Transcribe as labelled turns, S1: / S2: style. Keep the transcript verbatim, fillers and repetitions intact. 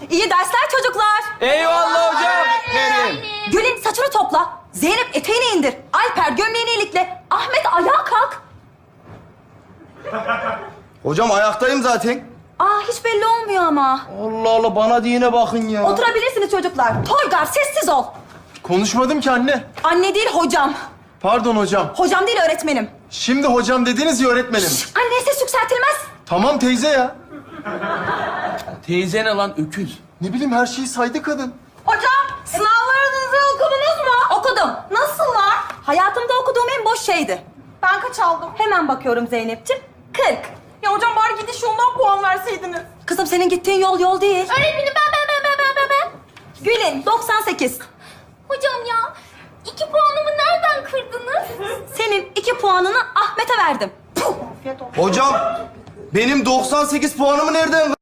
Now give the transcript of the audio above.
S1: İyi dersler çocuklar.
S2: Eyvallah hocam. Öğretmenim.
S1: Gül'ün saçını topla. Zeynep eteğini indir. Alper gömleğini ilikle. Ahmet ayağa kalk.
S3: Hocam ayaktayım zaten.
S1: Aa hiç belli olmuyor ama.
S3: Allah Allah bana diyene bakın ya.
S1: Oturabilirsiniz çocuklar. Toygar sessiz ol.
S3: Konuşmadım ki anne.
S1: Anne değil hocam.
S3: Pardon hocam.
S1: Hocam değil öğretmenim.
S3: Şimdi hocam dediniz ya öğretmenim.
S1: Anne ses yükseltilmez.
S3: Tamam teyze ya.
S2: Teyze ne lan öküz?
S3: Ne bileyim her şeyi saydı kadın.
S1: Hocam sınavlarınızı okudunuz mu? Okudum. Nasıllar? Hayatımda okuduğum en boş şeydi. Ben kaç aldım? Hemen bakıyorum Zeynep'ciğim. kırk.
S4: Ya hocam bari gidiş yoldan puan verseydiniz.
S1: Kızım senin gittiğin yol yol değil.
S4: Öğretmenim ben ben ben ben ben ben ben.
S1: Gül'ün doksan sekiz.
S4: Hocam ya iki puanımı nereden kırdınız?
S1: Senin iki puanını Ahmet'e verdim. Puh!
S3: Hocam benim doksan sekiz puanımı nereden